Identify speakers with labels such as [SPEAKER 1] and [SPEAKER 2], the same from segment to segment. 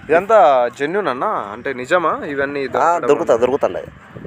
[SPEAKER 1] ఇదంతా జెన్యూన్ అన్న, అంటే నిజమా ఇవన్నీ?
[SPEAKER 2] దొరుకుతాయి.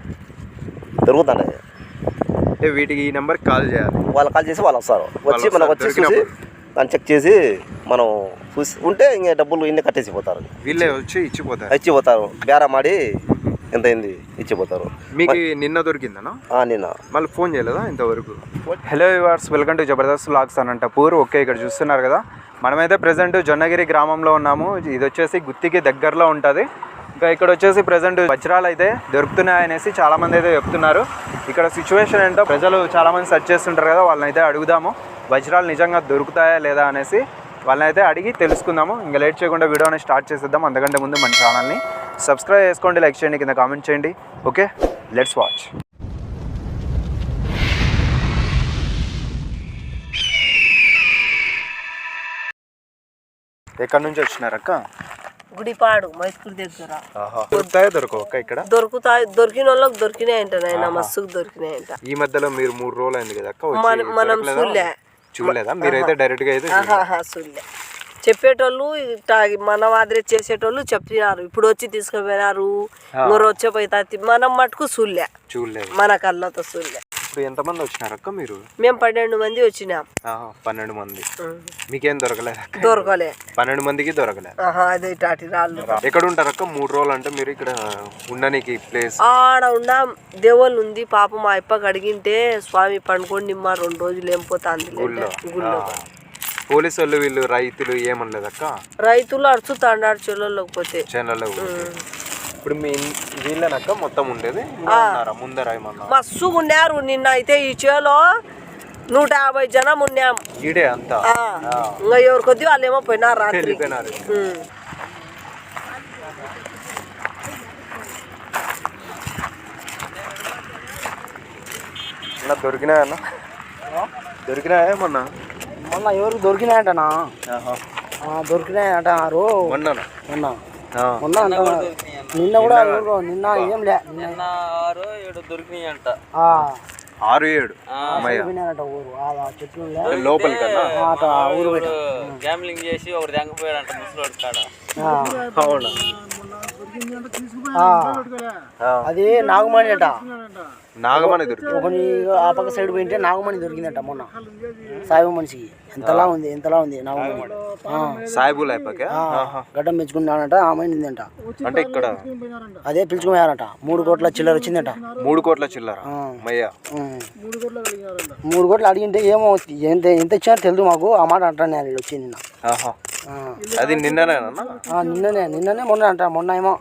[SPEAKER 1] అంటే వీటికి ఈ నెంబర్కి కాల్ చేయాలి,
[SPEAKER 2] వాళ్ళు కాల్ చేసి వాళ్ళు వస్తారు, వచ్చి మనకు వచ్చి చూసి దాన్ని చెక్ చేసి మనం చూసి ఉంటే ఇంకా డబ్బులు ఇన్ని కట్టేసిపోతారు.
[SPEAKER 1] వీళ్ళే వచ్చి
[SPEAKER 2] ఇచ్చిపోతారు. బేరం ఆడి ఎంత అయింది ఇచ్చిపోతారు.
[SPEAKER 1] మీకు నిన్న దొరికిందనా?
[SPEAKER 2] నిన్న.
[SPEAKER 1] మళ్ళీ ఫోన్ చేయలేదా ఇంతవరకు? Hello viewers, welcome to Jabardasth vlogs Anantapur. Okay, ఇక్కడ చూస్తున్నారు కదా, మనమైతే ప్రజెంట్ జొన్నగిరి గ్రామంలో ఉన్నాము. ఇది వచ్చేసి గుత్తికి దగ్గరలో ఉంటుంది. ఇంకా ఇక్కడ వచ్చేసి ప్రజెంట్ వజ్రాలు అయితే దొరుకుతున్నాయనేసి చాలామంది అయితే చెప్తున్నారు. ఇక్కడ సిచ్యువేషన్ ఏంటో ప్రజలు చాలామంది సెర్చ్ చేస్తుంటారు కదా, వాళ్ళని అయితే అడుగుదాము వజ్రాలు నిజంగా దొరుకుతాయా లేదా అనేసి. వాళ్ళని అయితే అడిగి తెలుసుకుందాము. ఇంకా లేట్ చేయకుండా వీడియోని స్టార్ట్ చేసేద్దాం. అంతకంటే ముందు మన ఛానల్ని సబ్స్క్రైబ్ చేసుకోండి, లైక్ చేయండి, కింద కామెంట్ చేయండి. Okay, let's watch. ఎక్కడి నుంచి వచ్చినారక్క?
[SPEAKER 3] గుడిపాడు, మైసూర్ దగ్గర.
[SPEAKER 1] దొరుకుతాయా దొరకవక్క? ఇక్కడ
[SPEAKER 3] దొరుకుతాయి. దొరికిన వాళ్ళకి దొరికినాయంట నాయన, మస్తుకు దొరికినాయంట.
[SPEAKER 1] ఈ మధ్యలో మీరు 3 రోజులు అయింది కదా అక్క,
[SPEAKER 3] మనం
[SPEAKER 1] చూడలేదా? మీరైతే డైరెక్ట్ గా అయితే
[SPEAKER 3] చూడలే. చెప్పేటోళ్ళు మన మాదిరి చేసేటోళ్ళు చెప్పినారు, ఇప్పుడు వచ్చి తీసుకుపోయినారు, ఇంకొరు వచ్చే పోయి మనం మటుకు చూడలేదు, మన కళ్ళతో చూడలే.
[SPEAKER 1] ఇప్పుడు ఎంతమంది వచ్చినారక్క మీరు?
[SPEAKER 3] మేము 12 మంది వచ్చినాం.
[SPEAKER 1] 12 మంది. మీకేం దొరకలేదు?
[SPEAKER 3] దొరకలే.
[SPEAKER 1] 12 మందికి దొరకలేదు.
[SPEAKER 3] అదే టాటి రాళ్ళు.
[SPEAKER 1] ఎక్కడ ఉంటారక్క 3 రోజులు? అంటే మీరు ఇక్కడ ఉండడానికి ప్లేస్?
[SPEAKER 3] ఆడ ఉన్నాం. దేవుళ్ళు ఉంది పాపం. మా అప్పకి అడిగింటే స్వామి పండుకొని నిమ్మ 2 రోజులు ఏం పోతాంది గుళ్ళో.
[SPEAKER 1] పోలీసు వాళ్ళు వీళ్ళు రైతులు ఏమనలేదక్క?
[SPEAKER 3] రైతులు అడుచుతాండారు చెల్లెళ్ళకి పోతే.
[SPEAKER 1] ఇప్పుడు మీ వీళ్ళనక్క మొత్తం ఉండేది ముందర ఏమన్నా?
[SPEAKER 3] మస్తు ఉన్నారు. నిన్న అయితే ఈ చేలో 150 జనం ఉన్నాం.
[SPEAKER 1] ఈడే అంతా
[SPEAKER 3] ఇంకా ఎవరి కొద్ది వాళ్ళు ఏమో పోయినారు రాత్రి.
[SPEAKER 1] దొరికినాయన్నా? దొరికినాయా మొన్న?
[SPEAKER 4] ఎవరికి దొరికినాయంటనా? దొరికినాయంటారు మొన్న నిన్న కూడా నిన్న ఏం లే, నిన్న
[SPEAKER 5] 6-7 దొరికినాయంట.
[SPEAKER 1] 6-7
[SPEAKER 4] చెట్లు
[SPEAKER 1] లోపలి కదా
[SPEAKER 4] ఊరు
[SPEAKER 5] గ్యాంబ్లింగ్ చేసి ఒకటి తెంగపోయాడంట ముసలోడు కాడ.
[SPEAKER 4] అది నాగమణి అంట.
[SPEAKER 1] నాగమణి దొరికింది.
[SPEAKER 4] ఆ పక్క సైడ్ పోయింటే నాగమణి దొరికిందంట మొన్న. సాయిబు మనిషికి ఎంతలా ఉంది నాగమణి.
[SPEAKER 1] సాయిబుల్
[SPEAKER 4] గడ్డం పెంచుకున్నాడంట, ఆమె నిందంట.
[SPEAKER 1] అంటే ఇక్కడ
[SPEAKER 4] అదే పిలుచుకుపోయారంట. 3 కోట్ల చిల్లర వచ్చిందంట.
[SPEAKER 1] 3 కోట్ల చిల్లర.
[SPEAKER 4] 3 కోట్లు అడిగింటే ఏమో ఎంత ఇచ్చారో తెలియదు మాకు. ఆ మాట అంటాను నేను వచ్చింది నిన్న.
[SPEAKER 1] అది నిన్ననేనా?
[SPEAKER 4] నిన్ననే మొన్న అంట. మొన్న ఏమో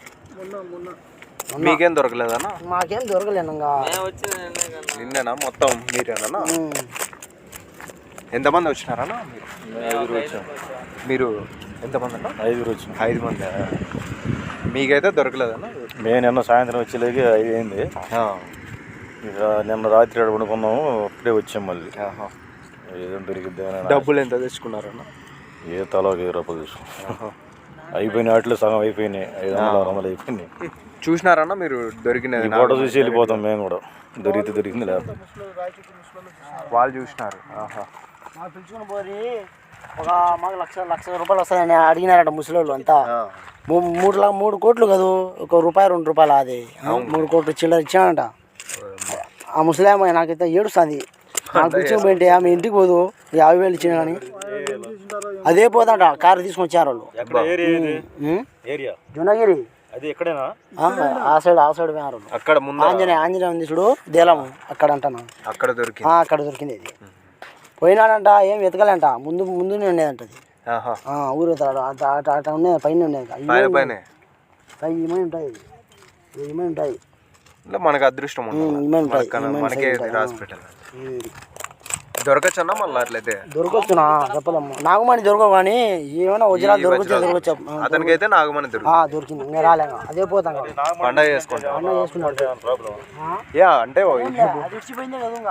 [SPEAKER 1] మీకేం దొరకలేదన్నా?
[SPEAKER 4] మాకేం దొరకలేదు.
[SPEAKER 1] నిన్ననా మొత్తం మీరేనా? ఎంతమంది వచ్చినారన్నా మీరు? ఎంతమంది అన్న? 5 మంది. మీకైతే దొరకలేదన్నా?
[SPEAKER 6] మేము నిన్న సాయంత్రం వచ్చేలాగే 5 అయింది. ఇక నిన్న రాత్రి పడుకున్నాము, అప్పుడే వచ్చాం మళ్ళీ. ఏదో దొరికిద్ది.
[SPEAKER 1] డబ్బులు ఎంత తెచ్చుకున్నారన్నా?
[SPEAKER 6] ఏ తలా 1000 రూపాయలు తీసుకున్నాం. అయిపోయినాయి, వాటిలో సగం అయిపోయినాయి. 500-600 అయిపోయినాయి.
[SPEAKER 1] చూసినారన్నా మీరు? దొరికిన
[SPEAKER 6] ఫోటో చూసి వెళ్ళిపోతాం మేము కూడా. దొరికింది లేదు.
[SPEAKER 1] వాళ్ళు చూసినారు.
[SPEAKER 4] పిలుచుకుని పోయి మాకు 1,00,000 రూపాయలు వస్తాయని అడిగినారట ముసలోళ్ళు అంతా. 3 కోట్లు కాదు, ₹1 ₹2 అది 3 కోట్లు చిల్లర ఇచ్చానంట. ఆ ముసలామ నాకైతే ఏడుస్తుంది. నాకు పిలుచుకుని పోయింటే ఆమె ఇంటికి పోదు, 50,000 ఇచ్చిన కానీ అదే పోదంట. కారు తీసుకొని వచ్చారు వాళ్ళు. జొన్నగిరి ఆ సైడ్ పోయారు.
[SPEAKER 1] అక్కడ
[SPEAKER 4] ఆంజనేయ ఉంది చూడు, దేలము అక్కడ అంటాను.
[SPEAKER 1] అక్కడ
[SPEAKER 4] దొరికింది ఇది. పోయినాడంట, ఏం వెతకలేంట. ముందునే ఉండేదంట అది. ఊరు అట్లా ఉండేది, పైన ఉండేది. 1000 ఉంటాయి.
[SPEAKER 1] మనకు అదృష్టం మనకే రాసి పెట్టాలి. దొరకచ్చన్నా మళ్ళీ? అట్లయితే
[SPEAKER 4] దొరకచ్చునా చెప్పలేము. నాగమణి దొరకవు కానీ ఏమైనా వజ్రాలు దొరకచ్చు.
[SPEAKER 1] అతనికి అయితే నాగమణి
[SPEAKER 4] దొరికింది. ఇంకా రాలేక అదే పోతాం.
[SPEAKER 1] పండగ చేసుకుంటాం. అంటే
[SPEAKER 4] ఇచ్చిపోయిందే కదా,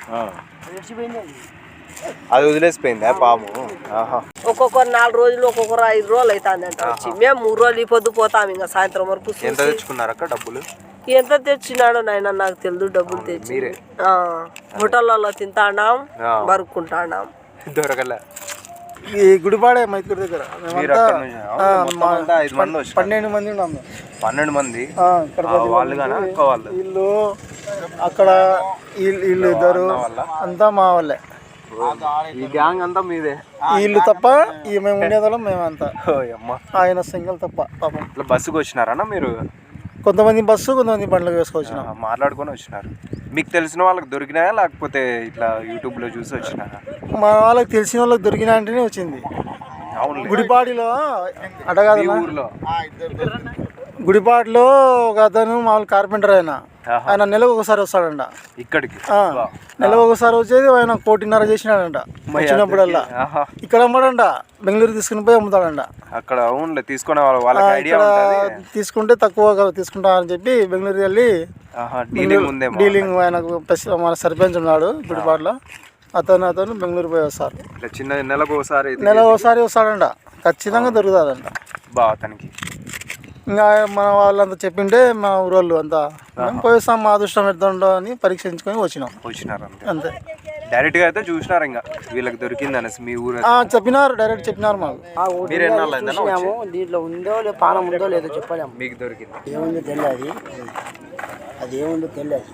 [SPEAKER 1] అది వదిలేసిపోయిందా పాము?
[SPEAKER 3] ఒక్కొక్కరు 4 రోజులు, ఒక్కొక్కరు 5 రోజులు అవుతుందంట వచ్చి. మేము 3 రోజులు ఈ పొద్దు పోతాం, ఇంకా సాయంత్రం వరకు.
[SPEAKER 1] ఎంత తెచ్చుకున్నారక్క డబ్బులు?
[SPEAKER 3] ఎంత తెచ్చినాడో నాయన నాకు తెలియదు. డబ్బులు తెచ్చి హోటళ్ళలో తింటాడాం, బరుక్కుంటాడాం.
[SPEAKER 1] దొరకలే.
[SPEAKER 4] ఈ గుడిపాడే మైత్రి దగ్గర
[SPEAKER 1] మీరు అక్కడ నుంచి మొత్తం అంతా 5 మంది వచ్చారు.
[SPEAKER 4] 12 మంది ఉన్నాము
[SPEAKER 1] 12 మంది
[SPEAKER 4] ఇక్కడ
[SPEAKER 1] వాళ్ళు కానీ అక్క వాళ్ళు
[SPEAKER 4] వీళ్ళు అక్కడ వీళ్ళు ఇద్దరు అంతా మా వాళ్ళే.
[SPEAKER 1] ఈ గ్యాంగ్ అంతా మీదే.
[SPEAKER 4] వీళ్ళు తప్ప మేము ఉండేవాళ్ళం మేమంతా.
[SPEAKER 1] అమ్మ
[SPEAKER 4] ఆయన సింగిల్ తప్ప పాపం.
[SPEAKER 1] ఇట్లా బస్సుకు వచ్చినారన్నా మీరు?
[SPEAKER 4] కొంతమంది బస్సు కొంతమంది బండ్లకు వేసుకొచ్చినాం.
[SPEAKER 1] మాట్లాడుకొని వచ్చినారు. మీకు తెలిసిన వాళ్ళకి దొరికినాయా లేకపోతే ఇట్లా యూట్యూబ్లో చూసి వచ్చినారా?
[SPEAKER 4] మా వాళ్ళకి తెలిసిన వాళ్ళకి దొరికిన అంటేనే వచ్చింది.
[SPEAKER 1] అవును.
[SPEAKER 4] గుడిపాడిలో అడగాదు
[SPEAKER 1] ఊర్లో
[SPEAKER 4] గుడిపాటిలో ఒక అతను మామూలు కార్పెంటర్ ఆయన నెలకు ఒకసారి వస్తాడంట
[SPEAKER 1] ఇక్కడికి.
[SPEAKER 4] నెలకు ఒకసారి వచ్చేది ఆయన 1.5 చేసినాడంట వచ్చినప్పుడల్లా. ఇక్కడ అమ్మాడంట, బెంగళూరు తీసుకుని పోయి అమ్ముతాడంట
[SPEAKER 1] అక్కడ. అవునులే తీసుకునే వాళ్ళకి ఐడియా ఉంటుంది.
[SPEAKER 4] తీసుకుంటే తక్కువ తీసుకుంటా అని చెప్పి బెంగళూరు వెళ్ళి డీలింగ్ ఆయనకు మన సర్పంచ్ ఉన్నాడు గుడిపాటిలో, అతను బెంగళూరు పోయి వస్తారు.
[SPEAKER 1] చిన్న నెలకు
[SPEAKER 4] ఒకసారి వస్తాడంట, ఖచ్చితంగా దొరుకుతుందంట
[SPEAKER 1] బా అతనికి.
[SPEAKER 4] ఇంకా మన వాళ్ళంతా చెప్పింటే మా ఊరోళ్ళు అంతా పోయిస్తాం మా అదృష్టం ఎడుతుండో అని పరీక్షించుకొని వచ్చినారు అంతే.
[SPEAKER 1] డైరెక్ట్గా అయితే చూసినారు ఇంకా వీళ్ళకి దొరికింది అనేసి మీ ఊరు
[SPEAKER 4] చెప్పినారు, డైరెక్ట్ చెప్పినారు మాకు.
[SPEAKER 1] మీరు ఎన్నాళ్ళు అయిందన్నా?
[SPEAKER 4] దీంట్లో ఉందో లేదు పానం ఉందో లేదో చెప్పలేము.
[SPEAKER 1] మీకు దొరికింది
[SPEAKER 4] ఏముందో తెలియదు, అది ఏముందో తెలియదు.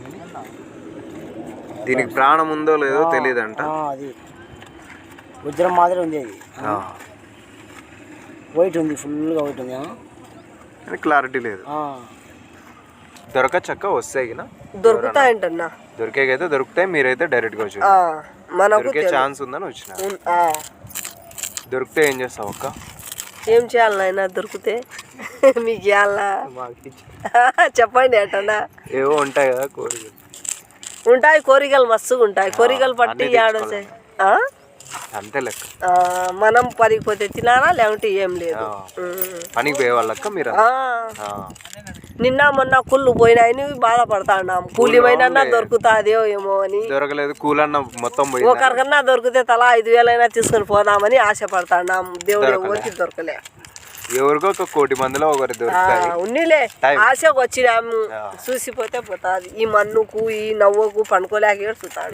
[SPEAKER 1] దీనికి ప్రాణం ఉందో లేదో తెలియదంట.
[SPEAKER 4] అది వజ్రం మాదిరి ఉంది, అది వైట్ ఉంది, ఫుల్గా వైట్ ఉంది,
[SPEAKER 1] క్లారిటీ లేదు. దొరకచ్చక్క వస్తాయి
[SPEAKER 3] దొరుకుతాయంటన్నా.
[SPEAKER 1] దొరికేకైతే దొరుకుతాయి. మీరైతే డైరెక్ట్గా వచ్చి దొరికే ఛాన్స్ ఉందని వచ్చిన. దొరికితే ఏం చేస్తావు అక్క?
[SPEAKER 3] ఏం చేయాలి నాయన దొరికితే? మీకు చేయాలా చెప్పండి అటన్నా.
[SPEAKER 1] ఏవో ఉంటాయి కదా కోరికలు.
[SPEAKER 3] ఉంటాయి కోరికలు, మస్తుగా ఉంటాయి కోరికలు. పట్టి ఆడొచ్చాయి
[SPEAKER 1] అంతే లెక్క.
[SPEAKER 3] మనం పనికి పోతే తినాలా లేకుంటే ఏం లేదు.
[SPEAKER 1] పనికి పోయే వాళ్ళక్క మీరు?
[SPEAKER 3] నిన్న మొన్న కుళ్ళు పోయినాయని బాధపడతాన్నాం. కూలి పోయినా దొరుకుతాదేమో ఏమో అని.
[SPEAKER 1] దొరకలేదు. కూలన్న మొత్తం పోయి
[SPEAKER 3] ఒకరికన్నా దొరికితే తలా 5,000 తీసుకొని పోదామని ఆశపడతాన్నాం. దేవుడు ఎవరికి దొరకలే.
[SPEAKER 1] ఎవరికో ఒక 1,000,000 మందిలో ఒకరి దొరుకుతాయి.
[SPEAKER 3] ఉన్నిలే ఆశకు వచ్చినాము, చూసిపోతే పోతాది. ఈ మన్నుకు ఈ నవ్వుకు పండుకోలేక ఏడుస్తాడు.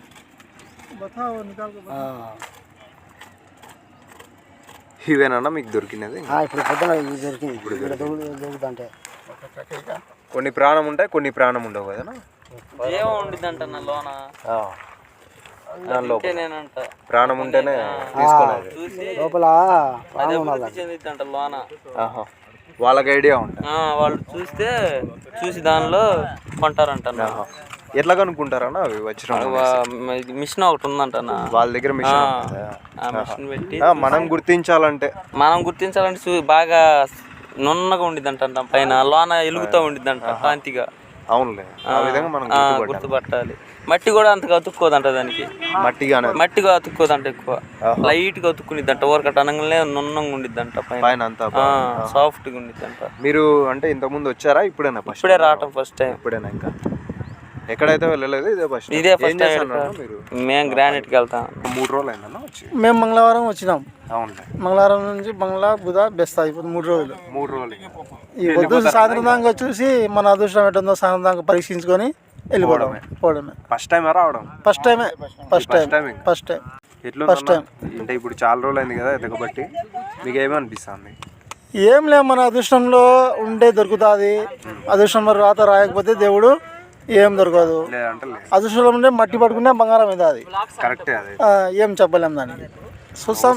[SPEAKER 1] ఇవేనన్నా మీకు దొరికినది?
[SPEAKER 4] ఇప్పుడు పొద్దున దొరికింది. దొరుకుతుంటే
[SPEAKER 1] కొన్ని ప్రాణం ఉంటాయి, కొన్ని ప్రాణం ఉండవు కదా.
[SPEAKER 5] ఏమో ఉండిద్దంట నా లోన.
[SPEAKER 1] ప్రాణం ఉంటేనే తీసుకోలేదు.
[SPEAKER 4] లోపల
[SPEAKER 5] చెందిద్దంట లోన.
[SPEAKER 1] వాళ్ళకి ఐడియా ఉంటుంది.
[SPEAKER 5] వాళ్ళు చూసి దానిలో కొంటారంట.
[SPEAKER 1] ఎట్లా కనుక్కుంటారన్నా అవి వచ్చిన?
[SPEAKER 5] మిషన్ ఒకటి ఉందంట
[SPEAKER 1] వాళ్ళ దగ్గర.
[SPEAKER 5] మిషన్ పెట్టి
[SPEAKER 1] మనం గుర్తించాలంటే
[SPEAKER 5] బాగా నున్నగా ఉండిద్దంట, పైన లోన ఎలుగుతూ ఉండిద్దంట కాంతిగా.
[SPEAKER 1] అవునులే, ఆ విధంగా మనం
[SPEAKER 5] గుర్తుపట్టాలి. మట్టి కూడా అంతగా అతుక్కోదంట దానికి. మట్టిగా అతుక్కోదంట, ఎక్కువ లైట్ గా అతుక్కునిద్దంట. ఊరకట్ట అనగానే నున్నంగా ఉండిద్దంట, పైన అంతా సాఫ్ట్ గా ఉండిద్దంట.
[SPEAKER 1] మీరు అంటే ఇంతకుముందు వచ్చారా? ఇప్పుడే
[SPEAKER 5] రావటం ఫస్ట్ టైం.
[SPEAKER 1] ఇప్పుడేనా? ఇంకా ఎక్కడైతే వెళ్ళలేదు?
[SPEAKER 5] ఇదే ఫస్ట్ టైం. మేము గ్రానైట్ కి వెళ్తాం.
[SPEAKER 1] 3 రోజులు అయిందన్నా వచ్చి?
[SPEAKER 4] మేము మంగళవారం వచ్చినాం.
[SPEAKER 1] అవునులే.
[SPEAKER 4] మంగళవారం నుంచి బంగ్లా బుధ బెస్తా ఇప్పుడు 3 రోజులు.
[SPEAKER 1] 3 రోజులు
[SPEAKER 4] ఈ పొద్దు సాయంత్రం దాకా చూసి మన అదృష్టం ఎటుందో సాయంత్రం దాకా పరీక్షించుకొని వెళ్ళిపోవడమే.
[SPEAKER 1] ఫస్ట్ టైం రావడం?
[SPEAKER 4] First time.
[SPEAKER 1] అంటే ఇప్పుడు చాలా రోజులు అయింది కదా ఎదగబట్టి, మీకు ఏమనిపిస్తుంది?
[SPEAKER 4] ఏం లేదు, మన అదృష్టంలో ఉంటే దొరుకుతుంది. అదృష్టంలో రాత రాయకపోతే దేవుడు ఏం దొరకదు. అదృష్టంలో ఉంటే మట్టి పట్టుకునే బంగారం మీద. అది
[SPEAKER 1] కరెక్టే.
[SPEAKER 4] ఏం చెప్పలేము దానికి. చూస్తాం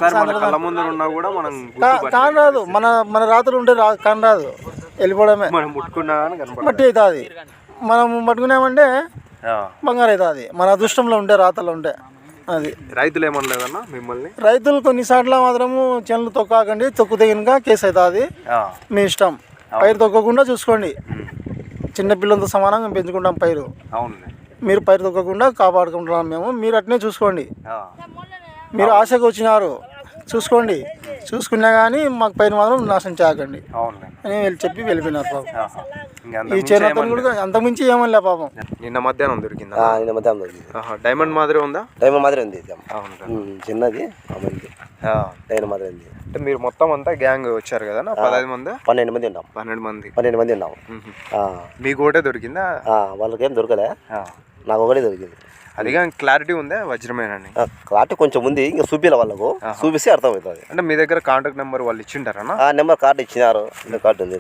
[SPEAKER 1] కూడా
[SPEAKER 4] కానరాదు. మన రాత్రులు ఉంటే కానరాదు, వెళ్ళిపోవడమే. మట్టి అవుతుంది. మనం పట్టుకున్నామంటే బంగారం అవుతుంది, మన అదృష్టంలో ఉంటే రాతలో ఉంటే. అది
[SPEAKER 1] రైతులు ఏమనలేదన్నా మిమ్మల్ని?
[SPEAKER 4] రైతులు కొన్నిసార్లు మాత్రము చేనులు తొక్కాకండి, తొక్కితే కనుక కేసు అవుతుంది, మీ ఇష్టం. పైరు తొక్కకుండా చూసుకోండి. చిన్నపిల్లలతో సమానంగా పెంచుకుంటాం పైరు. మీరు పైరు తొక్కకుండా కాపాడుకుంటున్నాం మేము. మీరు అట్నే చూసుకోండి. మీరు ఆశకు వచ్చినారు, చూసుకోండి. చూసుకున్నా కానీ మాకు పైన మాత్రం నాశనం చేయకండి అని చెప్పి వెళ్ళిపోయినారు పాపం. ఈ చేను కూడా అంతకుమించి ఏమనిలే పాపం.
[SPEAKER 1] నిన్న మధ్యాహ్నం దొరికిందా?
[SPEAKER 2] నిన్న మధ్యాహ్నం దొరికింది.
[SPEAKER 1] డైమండ్ మాదిరి ఉందా?
[SPEAKER 2] డైమండ్ మాదిరి ఉంది, చిన్నది డైమండ్ మాదిరి ఉంది.
[SPEAKER 1] అంటే మీరు మొత్తం అంతా గ్యాంగ్ వచ్చారు కదా? 15 మంది?
[SPEAKER 2] 12 మంది ఉన్నాం. 12 మంది ఉన్నాం.
[SPEAKER 1] మీకు ఒకటే దొరికిందా?
[SPEAKER 2] వాళ్ళకేం దొరకలే, నాకు ఒకటే దొరికింది.
[SPEAKER 1] అది కానీ క్లారిటీ ఉందా వజ్రమేనని?
[SPEAKER 2] క్లారిటీ కొంచెం ఉంది, ఇంకా చూపిలే వాళ్ళకు, చూపిస్తే అర్థమవుతుంది.
[SPEAKER 1] అంటే మీ దగ్గర కాంటాక్ట్ నెంబర్ వాళ్ళు ఇచ్చింటారన్నా?
[SPEAKER 2] ఆ నెంబర్ కార్డు ఇచ్చినారు, కార్డు ఉంది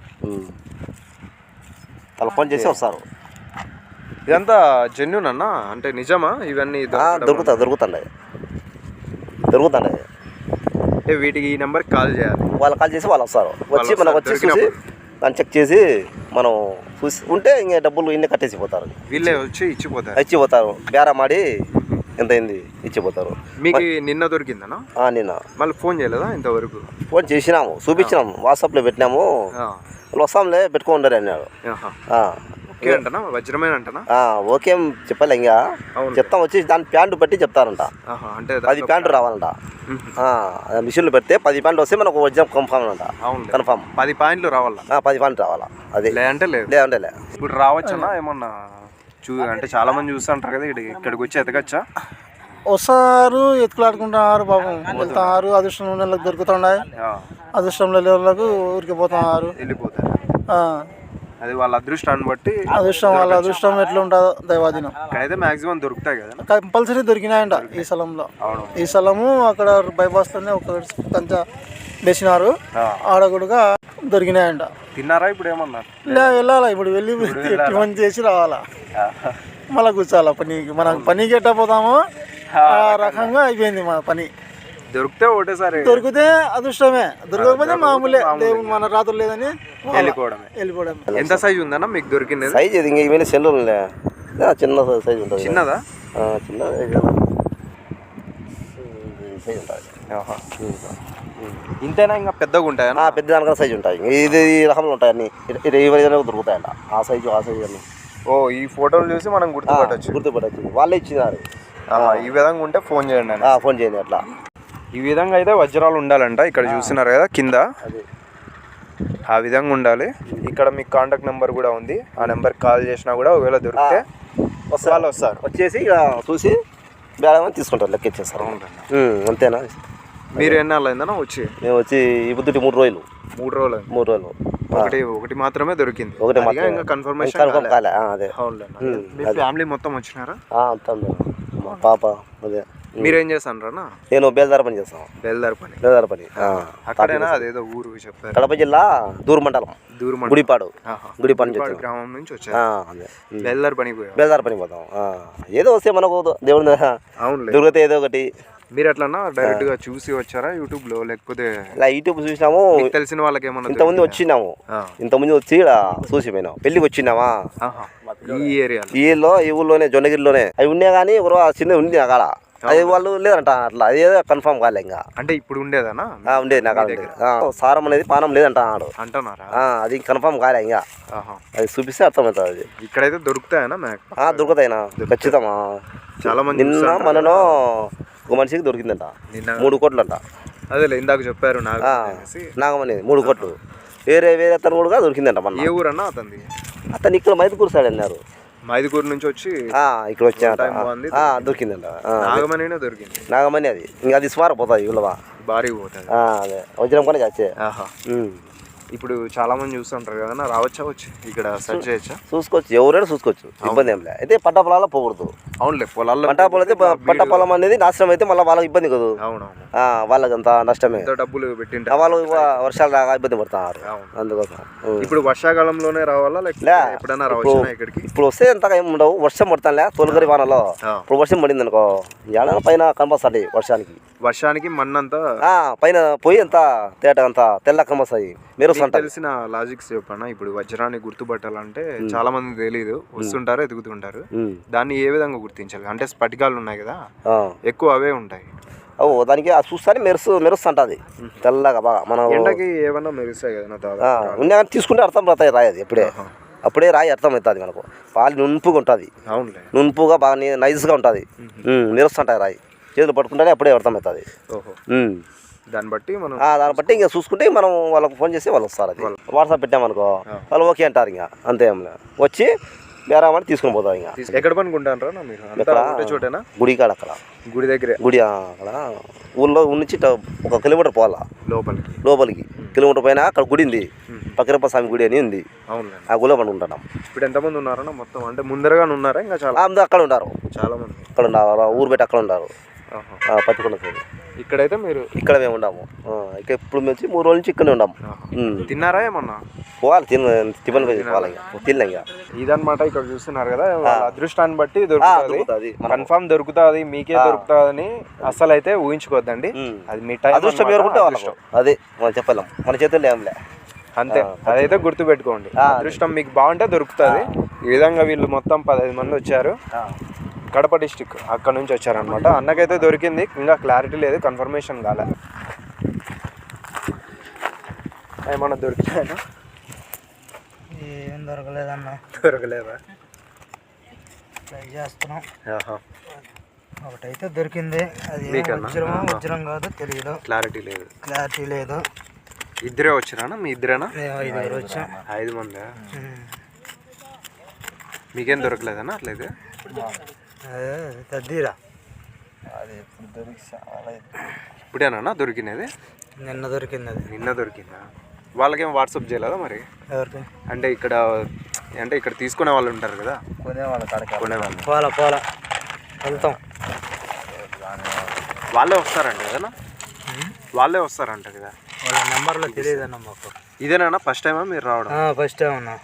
[SPEAKER 2] వాళ్ళు ఫోన్ చేసి వస్తారు.
[SPEAKER 1] ఇదంతా జెన్యూన్ అన్న, అంటే నిజమా ఇవన్నీ?
[SPEAKER 2] దొరుకుతుండే
[SPEAKER 1] అంటే వీటికి ఈ నెంబర్కి కాల్ చేయాలి,
[SPEAKER 2] వాళ్ళు కాల్ చేసి వాళ్ళు వస్తారు, వచ్చి మనకు వచ్చి చూసి దాన్ని చెక్ చేసి మనం చూసి ఉంటే ఇంకా డబ్బులు ఇన్ని కట్టేసిపోతారు.
[SPEAKER 1] వీళ్ళే వచ్చి
[SPEAKER 2] ఇచ్చిపోతారు, బేరం ఆడి ఎంత అయింది ఇచ్చిపోతారు.
[SPEAKER 1] మీకు నిన్న దొరికిందనా?
[SPEAKER 2] నిన్న.
[SPEAKER 1] మళ్ళీ ఫోన్ చేయలేదా ఇంతవరకు?
[SPEAKER 2] ఫోన్ చేసినాము, చూపించినాము, వాట్సాప్లో పెట్టినాము, వాళ్ళు వస్తాంలే పెట్టుకోండి అన్నాడు.
[SPEAKER 1] ఓకే అంటనా, వజ్రమేనంటనా?
[SPEAKER 2] ఓకే చెప్పలే, ఇంకా చెప్తాం, వచ్చి దాని ప్యాంటు బట్టి చెప్తారంట. అంటే 10 ప్యాంటు రావాలంట, మిషన్లు పెడితే 10 ప్యాంట్లు వస్తే మనకు వజ్రం కన్ఫామ్ అంట. కన్ఫామ్
[SPEAKER 1] 10 పాయింట్లు రావాలా?
[SPEAKER 2] 10 ప్యాంట్లు రావాలా. అది
[SPEAKER 1] లేదంటే
[SPEAKER 2] లేదంటే
[SPEAKER 1] ఇప్పుడు రావచ్చన్నా ఏమన్నా? అంటే చాలా మంది చూస్తుంటారు కదా, ఇక్కడికి వచ్చి ఎతకచ్చా?
[SPEAKER 7] వస్తారు, ఎత్తుకులాడుకుంటున్నారు, పాపం వెళ్తున్నారు. అదృష్టం ఉన్న వాళ్ళకి దొరుకుతున్నాయి, అదృష్టం లేని వాళ్ళకు ఊరికి పోతున్నారు,
[SPEAKER 1] వెళ్ళిపోతారు. అది వాళ్ళ అదృష్టాన్ని బట్టి,
[SPEAKER 7] వాళ్ళ అదృష్టం ఎట్లా ఉంటుందో దైవాధీనం.
[SPEAKER 1] ఇక్కడైతే మాక్సిమం దొరుకుతాయి కదా,
[SPEAKER 7] కంపల్సరీ దొరికినాయంట ఈ స్థలంలో. ఈ స్థలము అక్కడ బైపాస్లోనే ఒక కంచ వేసినారు, ఆడ కూడా దొరికినాయంట.
[SPEAKER 1] తిన్నారా ఇప్పుడు ఏమన్నా?
[SPEAKER 7] వెళ్ళాలా ఇప్పుడు, వెళ్ళి మంచి చేసి రావాలా, మళ్ళీ కూర్చోాలా పనికి. మనం పనికి ఎట్టా పోతామో ఆ రకంగా అయిపోయింది మా పని.
[SPEAKER 1] దొరికితే ఒకటేసారి,
[SPEAKER 7] దొరికితే అదృష్టమే, దొరకకపోతే మామూలే, దేవుడు మన రాత్రులు లేదని వెళ్ళిపోవడం.
[SPEAKER 1] ఎంత సైజు ఉందన్నా మీకు దొరికింది?
[SPEAKER 2] సైజ్ ఇది ఇంకా ఇవన్నీ సెల్లు చిన్న సైజ్ ఉంటుంది.
[SPEAKER 1] చిన్నదా?
[SPEAKER 2] చిన్న సైజ్ ఉంటుంది.
[SPEAKER 1] ఇంతేనా? ఇంకా పెద్దగా ఉంటాయా?
[SPEAKER 2] పెద్ద దానికన్నా సైజు ఉంటాయి, ఇది ఈ రకంలో ఉంటాయి అన్ని, ఈ విధంగా దొరుకుతాయంట. ఆ సైజు అన్ని.
[SPEAKER 1] ఈ ఫోటోలు చూసి మనం గుర్తుపట్టచ్చు.
[SPEAKER 2] వాళ్ళే ఇచ్చినారు.
[SPEAKER 1] ఈ విధంగా ఉంటే ఫోన్ చేయండి.
[SPEAKER 2] ఫోన్ చేయండి. అట్లా
[SPEAKER 1] ఈ విధంగా అయితే వజ్రాలు ఉండాలంట. ఇక్కడ చూస్తున్నారు కదా కింద, ఆ విధంగా ఉండాలి. ఇక్కడ మీకు కాంటాక్ట్ నెంబర్ కూడా ఉంది, ఆ నెంబర్కి కాల్ చేసినా కూడా ఒకవేళ దొరికితే వాళ్ళు వస్తారు,
[SPEAKER 2] వచ్చేసి ఇక చూసి బేరం తీసుకుంటారు, లెక్క ఇచ్చేస్తారు. అంతేనా?
[SPEAKER 1] మీరు ఎన్నాళ్ళు అయిందన్నా వచ్చి?
[SPEAKER 2] మేము వచ్చి ఈ పొద్దుటి 3 రోజులు.
[SPEAKER 1] 3 రోజులు.
[SPEAKER 2] 3 రోజులు.
[SPEAKER 1] ఒకటి మాత్రమే దొరికింది.
[SPEAKER 2] ఇంకా
[SPEAKER 1] కన్ఫర్మేషన్
[SPEAKER 2] కాలే. అదే
[SPEAKER 1] మీ ఫ్యామిలీ మొత్తం వచ్చినారా?
[SPEAKER 2] మా పాప. అదే.
[SPEAKER 1] మీరేం చేస్తాను?
[SPEAKER 2] నేను బేల్దార పని చేస్తాను.
[SPEAKER 1] బేల్దార పని అక్కడేనా? అదేదో ఊరు చెప్పారు.
[SPEAKER 2] కడప జిల్లా దూరు మండలం, గుడిపాడు
[SPEAKER 1] గ్రామం నుంచి వచ్చారు. బేల్దార పని పోతాం.
[SPEAKER 2] ఏదో వస్తే మనకు దేవుడి దొరికితే ఏదో ఒకటి.
[SPEAKER 1] మీరు ఎట్లన్నా డైరెక్ట్ గా చూసి వచ్చారా యూట్యూబ్ లో, లేకపోతే
[SPEAKER 2] యూట్యూబ్ చూసినాము,
[SPEAKER 1] తెలిసిన వాళ్ళకి ఏమన్నా?
[SPEAKER 2] ఇంతమంది వచ్చినాము, ఇంతమంది వచ్చి ఇక్కడ చూసిపోయినాం. పెళ్లికి వచ్చినామా
[SPEAKER 1] ఈ
[SPEAKER 2] ఏరియాలో, ఈ ఊళ్ళోనే, జొన్నగిరిలోనే అవి ఉన్నాయి. కానీ చిన్న ఉంది అక్కడ, అది వాళ్ళు లేదంట. అట్లా అదేదో కన్ఫర్మ్ కాలే ఇంకా.
[SPEAKER 1] అంటే ఇప్పుడు ఉండేదనా?
[SPEAKER 2] ఉండేది నాకు సారం అనేది పానం లేదంట
[SPEAKER 1] అంటున్నారా?
[SPEAKER 2] అది కన్ఫర్మ్ కాలే ఇంకా, అది చూపిస్తే అర్థమవుతుంది. అది
[SPEAKER 1] ఇక్కడైతే దొరుకుతాయనా?
[SPEAKER 2] దొరుకుతాయినా ఖచ్చితమా.
[SPEAKER 1] చాలా మంది
[SPEAKER 2] నిన్న మనలో ఒక మనిషికి దొరికిందంట 3 కోట్లు అంట.
[SPEAKER 1] అదే ఇందాక చెప్పారు
[SPEAKER 2] నాగమని 3 కోట్లు. వేరే అతను కూడా దొరికిందంట. మన
[SPEAKER 1] ఏ ఊరన్నా అతనిది?
[SPEAKER 2] అతను ఇక్కడ మైదుకూరు సైడ్ అన్నారు.
[SPEAKER 1] మైదుకూరు నుంచి వచ్చి
[SPEAKER 2] ఇక్కడ వచ్చాట, దొరికిందంట. నాగమణి అది ఇంకా అది సుమారు పోతుంది, ఇవ్వవా
[SPEAKER 1] భారీ పోతుంది.
[SPEAKER 2] అదే వజ్రం పని వచ్చే.
[SPEAKER 1] ఇప్పుడు చాలా మంది చూస్తుంటారు కదా, రావచ్చా వచ్చి ఇక్కడ సెర్చ్ చేయొచ్చా?
[SPEAKER 2] చూసుకోవచ్చు, ఎవరైనా చూసుకోవచ్చు, ఇబ్బంది ఏం లేదు. అయితే పంట పొలాల్లో పోకూడదు.
[SPEAKER 1] అవునులే, పొలాల్లో
[SPEAKER 2] పంట పొలం అయితే పంట పొలం అనేది నాశనం అయితే మళ్ళీ వాళ్ళకి ఇబ్బంది కదా. వాళ్ళకి అంత నష్టమే,
[SPEAKER 1] డబ్బులు పెట్టింటే
[SPEAKER 2] వాళ్ళు వర్షాలు రాగా ఇబ్బంది పడతారు. అందుకోసం
[SPEAKER 1] ఇప్పుడు వర్షాకాలంలోనే రావాలా, లేకపోతే ఎప్పుడైనా రావచ్చా ఇక్కడికి?
[SPEAKER 2] ఇప్పుడు వస్తే ఎంతగా ఏమి ఉండవు, వర్షం పడతానులే తొలగరి వానలో. ఇప్పుడు వర్షం పడింది అనుకో, ఏడైనా పైన కనపస్తాయి.
[SPEAKER 1] వర్షానికి మన్నంతా
[SPEAKER 2] పైన పోయి అంత తేట అంతా తెల్ల కనపస్తాయి. మీరు
[SPEAKER 1] తెలిసిన లాజిక్స్ చెప్పన్నా. ఇప్పుడు వజ్రాన్ని గుర్తుపట్టాలంటే చాలా మంది తెలియదు, వస్తుంటారు, ఎదుగుతుంటారు. దాన్ని ఏ విధంగా గుర్తించాలి? అంటే స్ఫటికాలు ఉన్నాయి కదా, ఎక్కువ అవే ఉంటాయి.
[SPEAKER 2] దానికి చూస్తానే మెరుస్తుంటది తెల్లగా బాగా. మనం
[SPEAKER 1] ఎండకి ఏమన్నా మెరుస్తాయి కదా,
[SPEAKER 2] ఉన్నా కానీ తీసుకుంటే అర్థం పడతాయి. రాయి అది అప్పుడే రాయి అర్థం అవుతుంది మనకు. పాలు నునుపుగా ఉంటుంది, నునుపుగా బాగా నైస్గా ఉంటుంది, మెరుస్తుంటాయి. రాయి చేతులు పట్టుకుంటేనే అప్పుడే అర్థం అవుతుంది.
[SPEAKER 1] దాన్ని
[SPEAKER 2] బట్టి ఇంకా చూసుకుంటే మనం వాళ్ళకి ఫోన్ చేసి వాళ్ళు వస్తారు. అది వాట్సాప్ పెట్టామనుకో, వాళ్ళు ఓకే అంటారు. ఇంకా అంతే, వచ్చి బేరామని తీసుకుని పోతాం. ఇంకా
[SPEAKER 1] ఎక్కడ పనుకుంటారా మీరు?
[SPEAKER 2] గుడి కాడ, అక్కడ
[SPEAKER 1] గుడి దగ్గర,
[SPEAKER 2] గుడి అక్కడ ఊళ్ళో నుంచి 1 కిలోమీటర్ పోవాలా లోపలికి. కిలోమీటర్ పైన అక్కడ గుడి ఉంది. పక్కిరప్ప స్వామి గుడి అని ఉంది.
[SPEAKER 1] అవునండి.
[SPEAKER 2] ఆ గుడిలో మనం ఉంటున్నాం.
[SPEAKER 1] ఇప్పుడు ఎంతమంది ఉన్నారన్న మొత్తం? అంటే ముందరగా ఉన్నారా ఇంకా చాలా?
[SPEAKER 2] అందరూ అక్కడ ఉంటారు,
[SPEAKER 1] చాలా మంది
[SPEAKER 2] అక్కడ ఉన్నారు, ఊరు పెట్టి అక్కడ ఉన్నారు. పత్తికొండ సైడ్.
[SPEAKER 1] ఇక్కడైతే మీరు
[SPEAKER 2] ఇక్కడ మేము ఉన్నాము. ఇక ఇప్పుడు నుంచి 3 రోజుల నుంచి ఇక్కడనే ఉన్నాము.
[SPEAKER 1] తిన్నారా ఏమన్నా?
[SPEAKER 2] పోవాలి, టిఫిన్ పోవాలి, తినలే ఇంకా.
[SPEAKER 1] ఇదన్నమాట ఇక్కడ చూస్తున్నారు కదా, వాళ్ళ అదృష్టాన్ని బట్టి దొరుకుతుంది, కన్ఫామ్ దొరుకుతుంది, మీకే దొరుకుతుందని అసలు అయితే ఊహించుకోవద్దండి. అది మీ టైం,
[SPEAKER 2] అదృష్టం పేరుకుంటే వాళ్ళకు అదే మనం చెప్పలేం, మన చేతుల్లో ఏంలే,
[SPEAKER 1] అంతే. అదైతే గుర్తు పెట్టుకోండి. అదృష్టం మీకు బాగుంటే దొరుకుతుంది. ఈ విధంగా వీళ్ళు మొత్తం 15 మంది వచ్చారు, కడప డిస్టిక్ అక్కడ నుంచి వచ్చారనమాట. అన్నకైతే దొరికింది, ఇంకా క్లారిటీ లేదు, కన్ఫర్మేషన్ కాలే. ఏమన్నా దొరికినాయనా?
[SPEAKER 4] ఏం దొరకలేదన్న.
[SPEAKER 1] దొరకలేదా?
[SPEAKER 4] ట్రై చేస్తున్నాం. ఒకటైతే దొరికింది, అది వజ్రం కాదు తెలియదు,
[SPEAKER 1] క్లారిటీ లేదు.
[SPEAKER 4] క్లారిటీ లేదు.
[SPEAKER 1] ఇద్దరే వచ్చారా? మీ ఇద్దరేనా?
[SPEAKER 4] 5 వచ్చాం.
[SPEAKER 1] 5 మందా? మీకేం దొరకలేదన్నా అట్లయితే?
[SPEAKER 4] తద్దీరా
[SPEAKER 6] అది ఇప్పుడు దొరికి చాలా
[SPEAKER 1] ఇప్పుడేనా దొరికినది?
[SPEAKER 4] నిన్న దొరికింది. అది
[SPEAKER 1] నిన్న దొరికిందా? వాళ్ళకేం వాట్సాప్ చేయలేదా మరి?
[SPEAKER 4] ఎవరికి
[SPEAKER 1] అంటే ఇక్కడ తీసుకునే వాళ్ళు ఉంటారు కదా,
[SPEAKER 6] కొనేవాళ్ళ కాడికి
[SPEAKER 1] కొనేవాళ్ళు.
[SPEAKER 4] పోలా వెళ్తాం.
[SPEAKER 1] వాళ్ళే వస్తారంట కదా? వాళ్ళే వస్తారంట కదా?
[SPEAKER 4] వాళ్ళ నెంబర్లో తెలియదన్న మాకు.
[SPEAKER 1] ఇదేనా ఫస్ట్ టైమా మీరు రావడం?
[SPEAKER 4] ఫస్ట్ టైం అన్నా.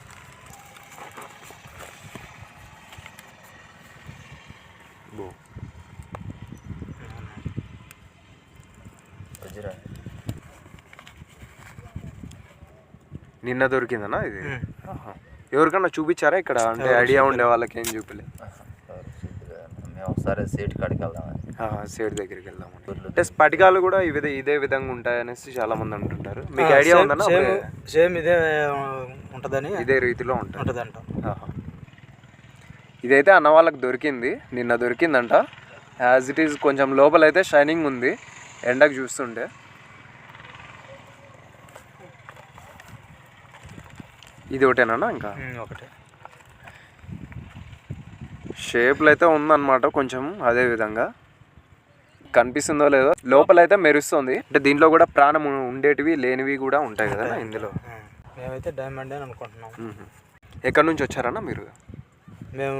[SPEAKER 1] నిన్న దొరికిందనా ఇది? ఎవరికన్నా చూపించారా ఇక్కడ? అంటే ఐడియా ఉండే వాళ్ళకి ఏం చూపలేదు.
[SPEAKER 6] మేము ఒకసారి సేట్ కాడికి వెళ్దామని,
[SPEAKER 1] సేట్ దగ్గరికి వెళ్దామని. అంటే స్ఫటికాలు కూడా ఇదే విధంగా ఉంటాయనేసి చాలా మంది అంటుంటారు. మీకు ఐడియా ఉందన్నా?
[SPEAKER 4] సేమ్ ఇదే ఉంటుందని,
[SPEAKER 1] ఇదే రీతిలో
[SPEAKER 4] ఉంటుందంట.
[SPEAKER 1] ఇదైతే అన్న వాళ్ళకి దొరికింది, నిన్న దొరికిందంట. యాజ్ ఇట్ ఈజ్ కొంచెం లోపలైతే షైనింగ్ ఉంది ఎండకు చూస్తుంటే. ఇది ఒకటేనా? ఇంకా
[SPEAKER 4] ఒకటే
[SPEAKER 1] షేప్లు అయితే ఉందన్నమాట కొంచెం. అదే విధంగా కనిపిస్తుందో లేదో, లోపలైతే మెరుస్తుంది. అంటే దీంట్లో కూడా ప్రాణం ఉండేటివి లేనివి కూడా ఉంటాయి కదా ఇందులో.
[SPEAKER 4] మేమైతే డైమండ్ అని అనుకుంటున్నాం.
[SPEAKER 1] ఎక్కడి నుంచి వచ్చారన్నా మీరు?
[SPEAKER 4] మేము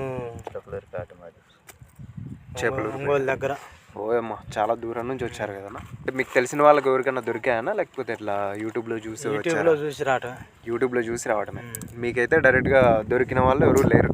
[SPEAKER 1] చేపలు
[SPEAKER 4] ఒంగోలు దగ్గర.
[SPEAKER 1] ఓయమ్మా, చాలా దూరం నుంచి వచ్చారు కదన్నా. అంటే మీకు తెలిసిన వాళ్ళకి ఎవరికైనా దొరికాయనా, లేకపోతే ఇట్లా యూట్యూబ్లో చూసి
[SPEAKER 4] రావటం?
[SPEAKER 1] యూట్యూబ్లో చూసి రావడమే. మీకైతే డైరెక్ట్గా దొరికిన వాళ్ళు ఎవరు లేరు?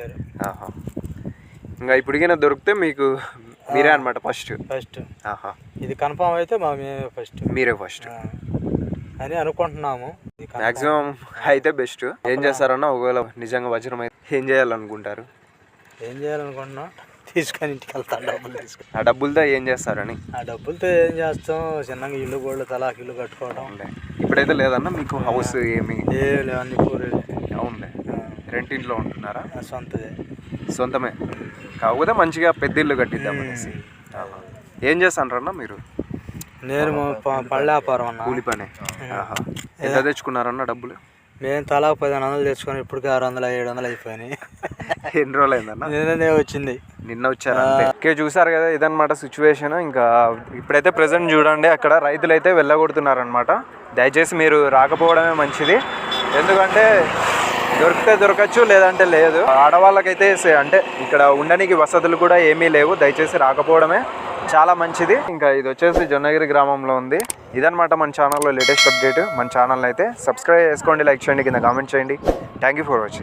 [SPEAKER 1] ఇంకా ఇప్పటికైనా దొరికితే మీకు మీరే అనమాట ఫస్ట్. ఇది
[SPEAKER 4] కన్ఫామ్ అయితే
[SPEAKER 1] మీరే ఫస్ట్
[SPEAKER 4] అని అనుకుంటున్నాము.
[SPEAKER 1] మ్యాక్సిమం అయితే బెస్ట్. ఏం చేస్తారన్నా ఒకవేళ నిజంగా వజ్రం అయితే ఏం చేయాలనుకుంటారు?
[SPEAKER 4] ఏం చేయాలనుకుంటున్నాం, తీసుకొని ఇంటికి వెళ్తాను. డబ్బులు తీసుకొని
[SPEAKER 1] ఆ డబ్బులతో ఏం చేస్తారని?
[SPEAKER 4] ఆ డబ్బులతో ఏం చేస్తాం, చిన్నగా ఇల్లు గోళ్ళు తలాకి ఇల్లు కట్టుకోవడం.
[SPEAKER 1] ఇప్పుడైతే లేదన్నా మీకు హౌస్ ఏమి?
[SPEAKER 4] ఏం లేవు, అన్ని కూరలు.
[SPEAKER 1] అవునులే. రెంట్ ఇంట్లో ఉంటున్నారా?
[SPEAKER 4] సొంతమే.
[SPEAKER 1] కాకపోతే మంచిగా పెద్ద ఇల్లు కట్టిద్దాం అనేసి. ఏం చేస్తారన్నా మీరు?
[SPEAKER 4] నేను పళ్ళ వ్యాపారం అన్న,
[SPEAKER 1] కూలి పని. ఎంత తెచ్చుకున్నారన్న డబ్బులు?
[SPEAKER 4] మేము తలా 1500 తెచ్చుకొని ఇప్పటికే 600 700 అయిపోయినాయి.
[SPEAKER 1] ఎన్ని రోజులు అయిందన్న?
[SPEAKER 4] నిన్ననే వచ్చింది.
[SPEAKER 1] నిన్న వచ్చారా? ఓకే, చూసారు కదా, ఇదన్నమాట సిచ్యువేషన్. ఇంకా ఇప్పుడైతే ప్రెసెంట్ చూడండి, అక్కడ రైతులు అయితే వెళ్ళగొడుతున్నారనమాట. దయచేసి మీరు రాకపోవడమే మంచిది. ఎందుకంటే దొరికితే దొరకచ్చు, లేదంటే లేదు. ఆడవాళ్ళకైతే అంటే ఇక్కడ ఉండడానికి వసతులు కూడా ఏమీ లేవు. దయచేసి రాకపోవడమే చాలా మంచిది. ఇంకా ఇది వచ్చేసి జొన్నగిరి గ్రామంలో ఉంది. ఇదన్నమాట మన ఛానల్లో లేటెస్ట్ అప్డేట్. మన ఛానల్ అయితే సబ్స్క్రైబ్ చేసుకోండి, లైక్ చేయండి, కింద కామెంట్ చేయండి. Thank you for watching.